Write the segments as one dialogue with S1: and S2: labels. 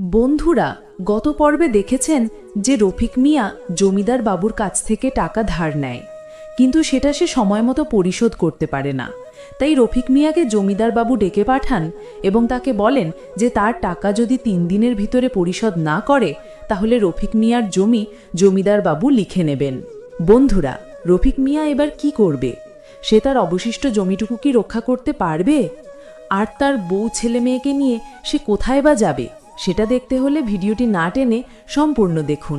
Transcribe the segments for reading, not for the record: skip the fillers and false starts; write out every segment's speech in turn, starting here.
S1: বন্ধুরা, গত পর্বে দেখেছেন যে রফিক মিয়া জমিদার বাবুর কাছ থেকে টাকা ধার নেয়, কিন্তু সেটা সে সময় মতো পরিশোধ করতে পারে না। তাই রফিক মিয়াকে জমিদার বাবু ডেকে পাঠান এবং তাকে বলেন যে তার টাকা যদি ৩ দিনের ভিতরে পরিশোধ না করে তাহলে রফিক মিয়ার জমি জমিদার বাবু লিখে নেবেন। বন্ধুরা, রফিক মিয়া এবার কি করবে? সে তার অবশিষ্ট জমিটুকু কি রক্ষা করতে পারবে? আর তার বউ ছেলে মেয়েকে নিয়ে সে কোথায় বা যাবে? সেটা দেখতে হলে ভিডিওটি না টেনে সম্পূর্ণ দেখুন।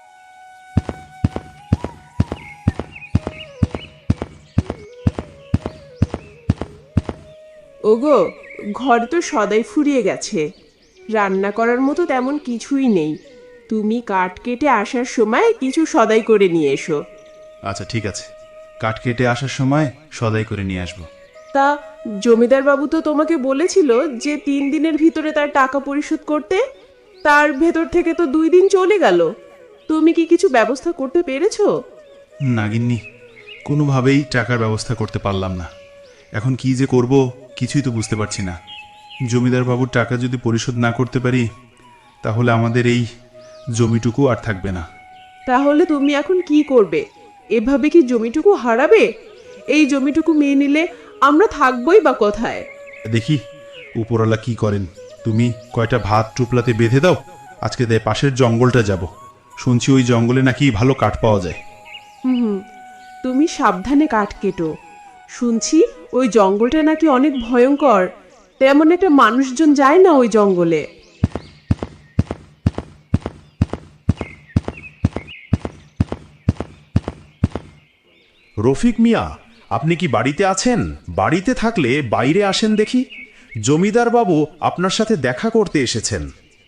S2: ওগো, ঘর তো সদাই ফুরিয়ে গেছে, রান্না করার মতো তেমন কিছুই নেই। তুমি কাঠ কেটে আসার সময় কিছু সদাই করে নিয়ে এসো।
S3: আচ্ছা ঠিক আছে, কাঠ কেটে আসার সময় সদাই করে নিয়ে আসবো।
S2: তা জমিদার বাবু তো তোমাকে বলেছিল যে 3 দিনের ভিতরে তার টাকা পরিশোধ করতে। তার ভেতর থেকে তো 2 দিন চলে গেল। তুমি কি কিছু ব্যবস্থা করতে পেরেছো?
S3: না গিন্নি, কোনোভাবেই টাকার ব্যবস্থা করতে পারলাম না। এখন কি যে করব কিছুই তো বুঝতে পারছি না। জমিদার বাবুর টাকা যদি পরিশোধ না করতে পারি তাহলে আমাদের এই জমিটুকু আর থাকবে না।
S2: তাহলে তুমি এখন কি করবে? এভাবে কি জমিটুকু হারাবে? এই জমিটুকু মেনে নিলে আমরা থাকবোই বা কোথায়?
S3: দেখি উপরওয়ালা কি করেন। তুমি কয়টা ভাত টুপলাতে বেঁধে দাও, আজকে তাই পাশের জঙ্গলটা যাব। শুনছি ওই জঙ্গলে নাকি ভালো কাঠ পাওয়া যায়।
S2: তুমি সাবধানে কাঠ কেটো। শুনছি ওই জঙ্গলটা নাকি অনেক ভয়ঙ্কর, তেমন একটা মানুষজন যায় না ওই জঙ্গলে।
S4: রফিক মিয়া, আপনি কি বাড়িতে আছেন? বাড়িতে থাকলে বাইরে আসেন দেখি। জমিদার বাবু আপনার সাথে দেখা করতে এসেছেন।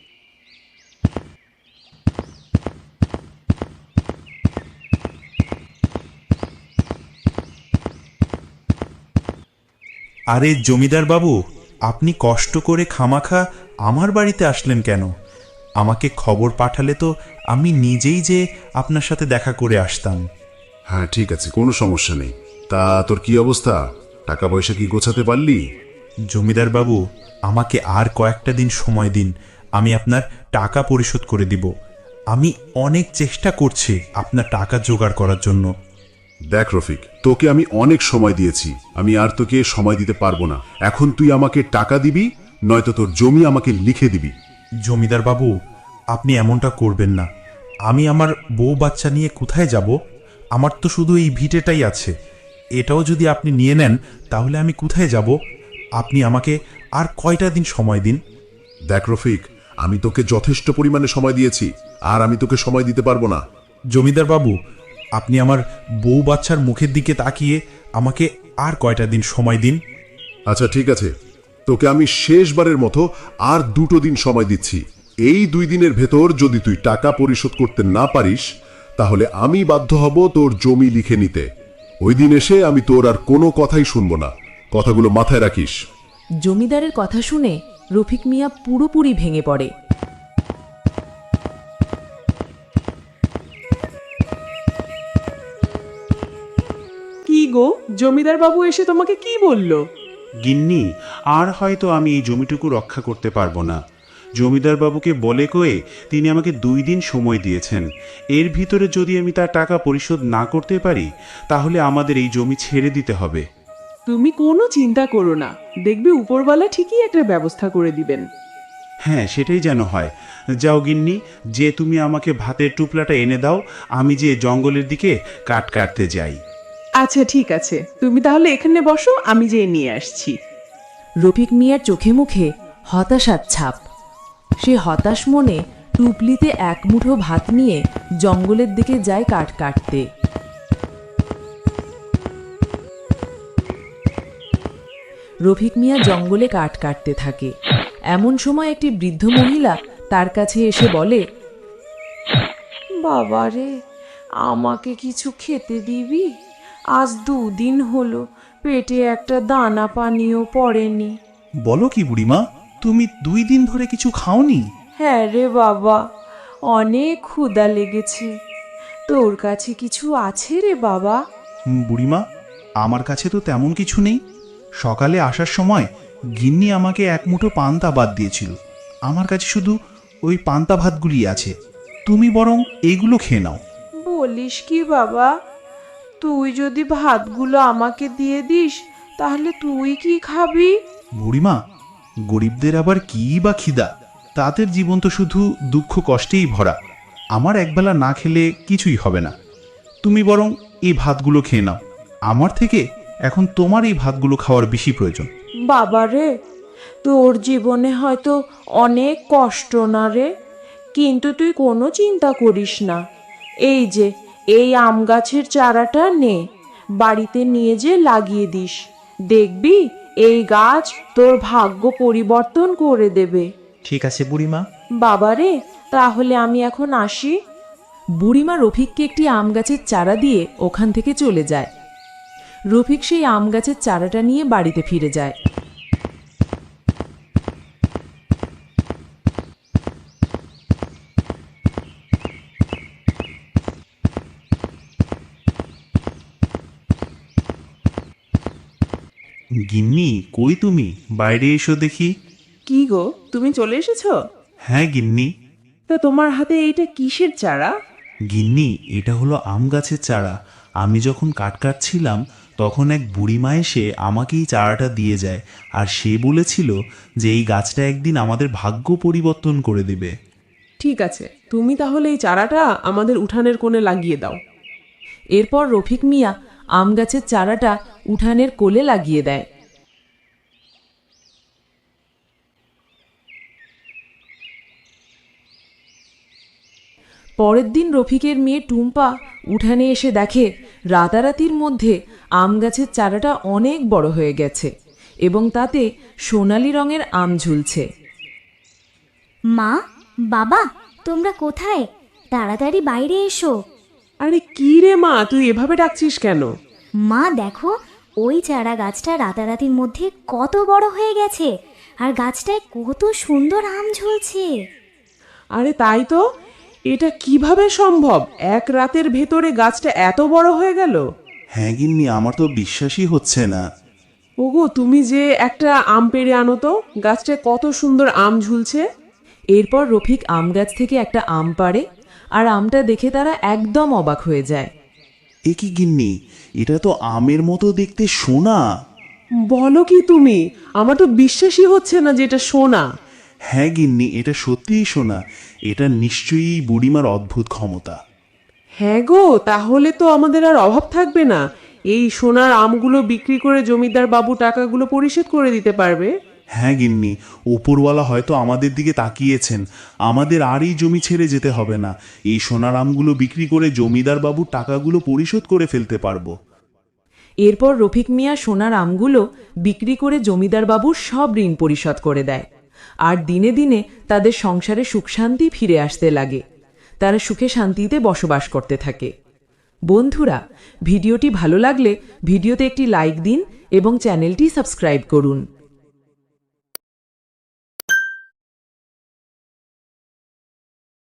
S5: আরে জমিদার বাবু, আপনি কষ্ট করে খামাখা আমার বাড়িতে আসলেন কেন? আমাকে খবর পাঠালে তো আমি নিজেই যে আপনার সাথে দেখা করে আসতাম।
S6: হ্যাঁ ঠিক আছে, কোনো সমস্যা নেই। তা তোর কি অবস্থা? টাকা পয়সা কি গোছাতে পারলি?
S5: জমিদার বাবু, আমাকে আর কয়েকটা দিন সময় দিন, আমি আপনার টাকা পরিশোধ করে দিব। আমি অনেক চেষ্টা করছি আপনার টাকা জোগাড় করার জন্য।
S6: দেখ রফিক, তোকে আমি অনেক সময় দিয়েছি, আমি আর তোকে সময় দিতে পারবো না। এখন তুই আমাকে টাকা দিবি, নয়তো তোর জমি আমাকে লিখে দিবি।
S5: জমিদার বাবু, আপনি এমনটা করবেন না। আমি আমার বউ বাচ্চা নিয়ে কোথায় যাব? আমার তো শুধু এই ভিটেটাই আছে। এটাও যদি আপনি নিয়ে নেন তাহলে আমি কোথায় যাব? আপনি আমাকে আর কয়টা দিন সময় দিন।
S6: দেখ রফিক, আমি তোকে যথেষ্ট পরিমাণে সময় দিয়েছি, আর আমি তোকে সময় দিতে পারবো না।
S5: জমিদার বাবু, আপনি আমার বউ বাচ্চার মুখের দিকে তাকিয়ে আমাকে আর কয়টা দিন সময় দিন।
S6: আচ্ছা ঠিক আছে, তোকে আমি শেষবারের মতো আর 2 দিন সময় দিচ্ছি। এই 2 দিনের ভেতর যদি তুই টাকা পরিশোধ করতে না পারিস তাহলে আমি বাধ্য হব তোর জমি লিখে নিতে। ওই দিন এসে আমি তোর আর কোনো কথাই শুনবো না। কথাগুলো মাথায় রাখিস।
S1: জমিদারের কথা শুনে রফিক মিয়া পুরোপুরি ভেঙে পড়ে।
S2: কি গো, জমিদার বাবু এসে তোমাকে কি বলল?
S4: গিন্নি, আর হয়তো আমি এই জমিটুকু রক্ষা করতে পারবো না। জমিদার বাবুকে বলে কয়ে তিনি আমাকে 2 দিন সময় দিয়েছেন। এর ভিতরে যদি আমি তার টাকা পরিশোধ না করতে পারি তাহলে আমাদের এই জমি ছেড়ে দিতে হবে।
S2: তুমি কোনো চিন্তা করো না, দেখবে উপরওয়ালা ঠিকই একটা ব্যবস্থা করে দিবেন।
S4: হ্যাঁ, সেটাই যেন হয়। যাও গিন্নি, যে তুমি আমাকে ভাতের টুপলাটা এনে দাও, আমি যে জঙ্গলের দিকে কাঠ কাটতে যাই।
S2: আচ্ছা ঠিক আছে, তুমি তাহলে এখানে বসো, আমি যেয়ে নিয়ে আসছি।
S1: রফিক মিয়ার চোখে মুখে হতাশার ছাপ। সে হতাশ মনে টুপলিতে 1 মুঠো ভাত নিয়ে জঙ্গলের দিকে যায় কাঠ কাটতে। রফিক মিয়া জঙ্গলে কাঠ কাটতে থাকে। এমন সময় একটি বৃদ্ধ মহিলা তার কাছে এসে বলে,
S7: বাবারে, আমাকে কিছু খেতে দিবি? আজ 2 দিন হলো পেটে একটা দানা পানিও পড়েনি।
S5: বলো কি বুড়িমা, তুমি 2 দিন ধরে কিছু খাওনি?
S7: হ্যাঁ রে বাবা, অনেক ক্ষুধা লেগেছে। তোর কাছে কিছু আছে রে বাবা?
S5: বুড়িমা, আমার কাছে তো তেমন কিছু নেই। সকালে আসার সময় গিন্নি আমাকে 1 মুঠো পান্তা বাদ দিয়েছিল। আমার কাছে শুধু ওই পান্তা ভাতগুলি আছে, তুমি বরং এইগুলো খেয়ে নাও।
S7: বলিস কি বাবা, তুই যদি ভাতগুলো আমাকে দিয়ে দিস তাহলে তুই কি খাবি?
S5: বুড়িমা, গরিবদের আবার কি বা খিদা, তাদের জীবন তো শুধু দুঃখ কষ্টেই ভরা। আমার একবেলা না খেলে কিছুই হবে না। তুমি বরং এই ভাতগুলো খেয়ে নাও। আমার থেকে এখন তোমার এই ভাতগুলো খাওয়ার বেশি প্রয়োজন।
S7: বাবা রে, তোর জীবনে হয়তো অনেক কষ্ট না রে, কিন্তু তুই কোনো চিন্তা করিস না। এই যে এই আম গাছের চারাটা নে, বাড়িতে নিয়ে যে লাগিয়ে দিস, দেখবি এই গাছ তোর ভাগ্য পরিবর্তন করে দেবে।
S8: ঠিক আছে বুড়িমা।
S7: বাবা রে, তাহলে আমি এখন আসি।
S1: বুড়িমা রফিককে একটি আম গাছের চারা দিয়ে ওখান থেকে চলে যায়। রফিক সেই আম গাছের চারাটা নিয়ে বাড়িতে ফিরে যায়।
S4: গিন্নি, কই তুমি? বাইরে এসো দেখি।
S2: কি গো, তুমি চলে এসেছো?
S4: হ্যাঁ গিন্নি।
S2: তা তোমার হাতে এইটা কিসের চারা?
S4: গিন্নি, এটা হলো আম গাছের চারা। আমি যখন কাটছিলাম তখন এক বুড়িমা এসে আমাকে এই চারাটা দিয়ে যায়, আর সে বলেছিল যে এই গাছটা একদিন আমাদের ভাগ্য পরিবর্তন করে দেবে।
S2: ঠিক আছে, তুমি তাহলে এই চারাটা আমাদের উঠানের কোণে লাগিয়ে দাও।
S1: এরপর রফিক মিয়া আম গাছের চারাটা উঠানের কোলে লাগিয়ে দেয়। পরের দিন রফিকের মেয়ে টুম্পা উঠানে এসে দেখে রাতারাতির মধ্যে আম গাছের চারাটা অনেক বড় হয়ে গেছে এবং তাতে সোনালি রঙের আম ঝুলছে।
S9: মা, বাবা, তোমরা কোথায়? তাড়াতাড়ি বাইরে এসো।
S2: আরে কি রে মা, তুই এভাবে ডাকছিস কেন?
S9: মা দেখো, ওই চারা গাছটা রাতারাতির মধ্যে কত বড় হয়ে গেছে, আর গাছটায় কত সুন্দর আম ঝুলছে।
S2: আরে তাই তো, এটা কিভাবে সম্ভব? এক রাতের ভেতরে গাছটা এত বড় হয়ে গেল?
S4: হ্যাঁ গিন্নি, আমার তো বিশ্বাসই হচ্ছে না।
S2: ওগো, তুমি যে একটা আম পেড়ে আনো তো, গাছটায় কত সুন্দর আম ঝুলছে।
S1: এরপর রফিক আম গাছ থেকে একটা আম পাড়ে, আর আমটা দেখে তারা একদম অবাক হয়ে যায়।
S4: এ কি গিন্নি, এটা তো আমের মতো দেখতে সোনা।
S2: বলো কি তুমি? আমার তো বিশ্বাসই হচ্ছে না যে এটা সোনা।
S4: হ্যাঁ গিন্নি, এটা সত্যিই সোনা। এটা নিশ্চয়ই বুড়িমার অদ্ভুত ক্ষমতা।
S2: হ্যাঁ গো, তাহলে তো আমাদের আর অভাব থাকবে না। এই সোনার আমগুলো বিক্রি করে জমিদার বাবু টাকাগুলো পরিশোধ করে দিতে পারবে।
S4: হ্যাঁ গিন্নি, ওপরওয়ালা হয়তো আমাদের দিকে তাকিয়েছেন। আমাদের আর এই জমি ছেড়ে যেতে হবে না। এই সোনার আমগুলো বিক্রি করে জমিদার বাবু টাকাগুলো পরিশোধ করে ফেলতে পারবো।
S1: এরপর রফিক মিয়া সোনার আমগুলো বিক্রি করে জমিদার বাবুর সব ঋণ পরিশোধ করে দেয়, আর দিনে দিনে তাদের সংসারে সুখ শান্তি ফিরে আসতে লাগে। তারা সুখে শান্তিতে বসবাস করতে থাকে। বন্ধুরা, ভিডিওটি ভালো লাগলে ভিডিওতে একটি লাইক দিন এবং চ্যানেলটি সাবস্ক্রাইব করুন।